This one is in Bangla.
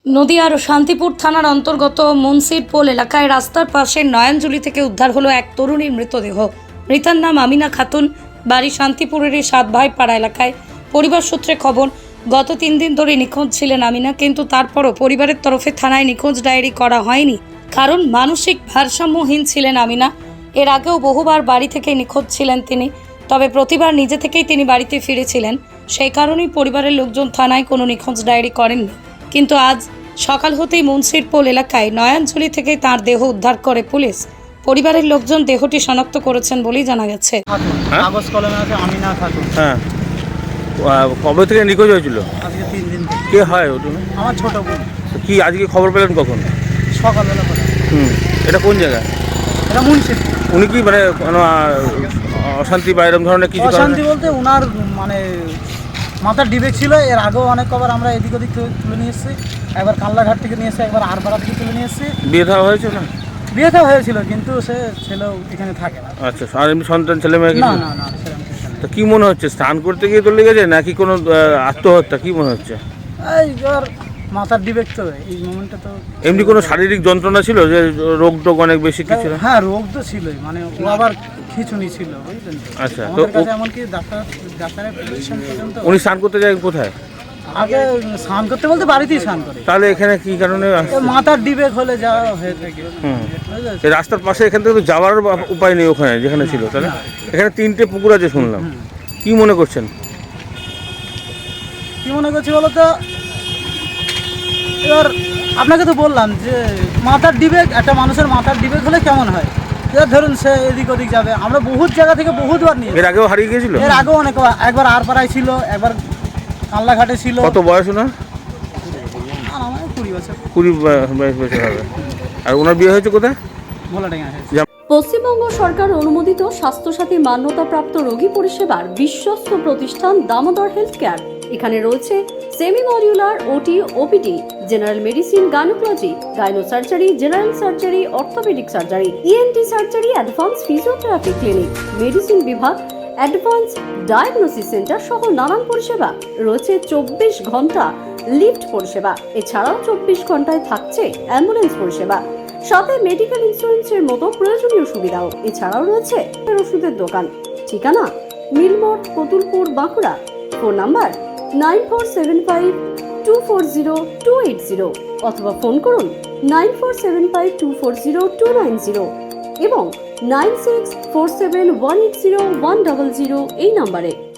নদিয়ার শান্তিপুর থানার অন্তর্গত মুন্সিরপোল এলাকায় রাস্তার পাশে নয়নজুলি থেকে উদ্ধার হলো এক তরুণীর মৃতদেহ। মৃতার নাম আমিনা খাতুন, বাড়ি শান্তিপুরেরই 7 ভাই পাড়া এলাকায়। পরিবার সূত্রে খবর, গত 3 দিন ধরে নিখোঁজ ছিলেন আমিনা, কিন্তু তারপরও পরিবারের তরফে থানায় নিখোঁজ ডায়েরি করা হয়নি, কারণ মানসিক ভারসাম্যহীন ছিলেন আমিনা। এর আগেও বহুবার বাড়ি থেকে নিখোঁজ ছিলেন তিনি, তবে প্রতিবার নিজে থেকেই তিনি বাড়িতে ফিরেছিলেন। সেই কারণেই পরিবারের লোকজন থানায় কোনো নিখোঁজ ডায়েরি করেননি। কিন্তু আজ সকাল হতেই মুন্সিরপোল এলাকায় নয়নজুলি থেকে তার দেহ উদ্ধার করে পুলিশ। পরিবারের লোকজন দেহটি শনাক্ত করেছেন বলেই জানা গেছে। কাগজ কলমে আছে আমিনা খাতুন। হ্যাঁ, কবে থেকে নিখোঁজ হয়েছিল? আজকে 3 দিন থেকে। কে হয় ওটা? আমার ছোট বোন। কি আজকে খবর পেলেন কখন? সকালবেলা করে। এটা কোন জায়গা? এটা মুন্সিরপুর। উনি কি মানে কোনো অশান্তি বা এরকম ধরনের কিছু? অশান্তি বলতে ওনার মানে মাথার ডিবেক ছিল। এর আগেও অনেক কবার আমরা এদিক ওদিক তুলে নিয়ে এসেছি। একবার কাল্লাঘাট থেকে নিয়ে এসেছি, একবার আরপাড়া থেকে তুলে নিয়ে এসেছি। বিয়ে দেওয়া হয়েছে না? বিয়ে তো হয়েছিল, কিন্তু সে ছেলেও এখানে থাকে না। আচ্ছা, আর এমনি সন্তান ছেলে মেয়ে না কিছু? না না, সেরকম কিছু নেই। তো কি মনে হচ্ছে, স্নান করতে গিয়ে তো লেগেছে নাকি কোনো আত্মহত্যা, কি মনে হচ্ছে? এই আর মাথার ডিবেক তো এই মোমেন্টে তো। এমনি কোনো শারীরিক যন্ত্রণা ছিল, যে রোগ টোগ অনেক বেশি কিছু? হ্যাঁ, রোগ তো ছিলই, মানে ও আবার খিঁচুনি ছিল, বুঝলেন তো। আচ্ছা, তো আমাদের কাছে এমনকি ডাক্তারের প্রেসক্রিপশন পর্যন্ত। উনি স্নান করতে যায় কোথায়? আগে স্নান করতে বলতে বাড়িতেই স্নান করে। তাহলে এখানে কি কারণে আসছে? মাথার ডিবেক হলে যা হয়ে থাকে। বুঝেছো? এই রাস্তার পাশে এখান থেকে তো যাওয়ার উপায় নেই ওখানে যেখানে ছিল, তাহলে এখানে 3টে পুকুর আছে শুনলাম। কি মনে করছেন? কি মনে করছি বলো তো, এবার আপনাকে তো বললাম যে মাথার ডিবেক, একটা মানুষের মাথার ডিবেক হলে কেমন হয়। এবার ধরুন সে এদিক ওদিক যাবে, আমরা বহুত জায়গা থেকে বহুতবার নিয়ে। এর আগেও হারিয়ে গিয়েছিল? এর আগেও অনেক, একবার আরপাড়ায় ছিল, একবার কাল্লাঘাটে ছিল। কত বয়স ওনার? আর আমার 20 বছর। 20 বছর হবে। আর ওনার বিয়ে হয়েছে কোথায়? ভোলাডাঙ্গা। পশ্চিমবঙ্গ সরকার অনুমোদিত স্বাস্থ্যসাথী মান্যতাপ্রাপ্ত রোগী পরিষেবার বিশ্বস্ত প্রতিষ্ঠান দামোদর হেলথ কেয়ার। এখানে রয়েছে semi modular OT, OPD, general medicine, gynaecology, gynae surgery, general surgery, orthopaedic surgery, ENT surgery, advance physiotherapy clinic, medicine বিভাগ, অ্যাডভান্স ডায়াগনোসিস সেন্টার সহ নানান পরিষেবা রয়েছে। 24 ঘন্টা লিফট পরিষেবা, এছাড়াও 24 ঘন্টায় থাকছে অ্যাম্বুলেন্স পরিষেবা, সাথে মেডিকেল ইন্স্যুরেন্সের মতো প্রয়োজনীয় সুবিধাও। এছাড়াও রয়েছে ওষুধের দোকান। ঠিকানা মিলমোড়, কতুলপুর, বাঁকুড়া। ফোন নাম্বার 9475240280 অথবা ফোন করুন 9475240290 এবং 9647180100 এই নম্বরে।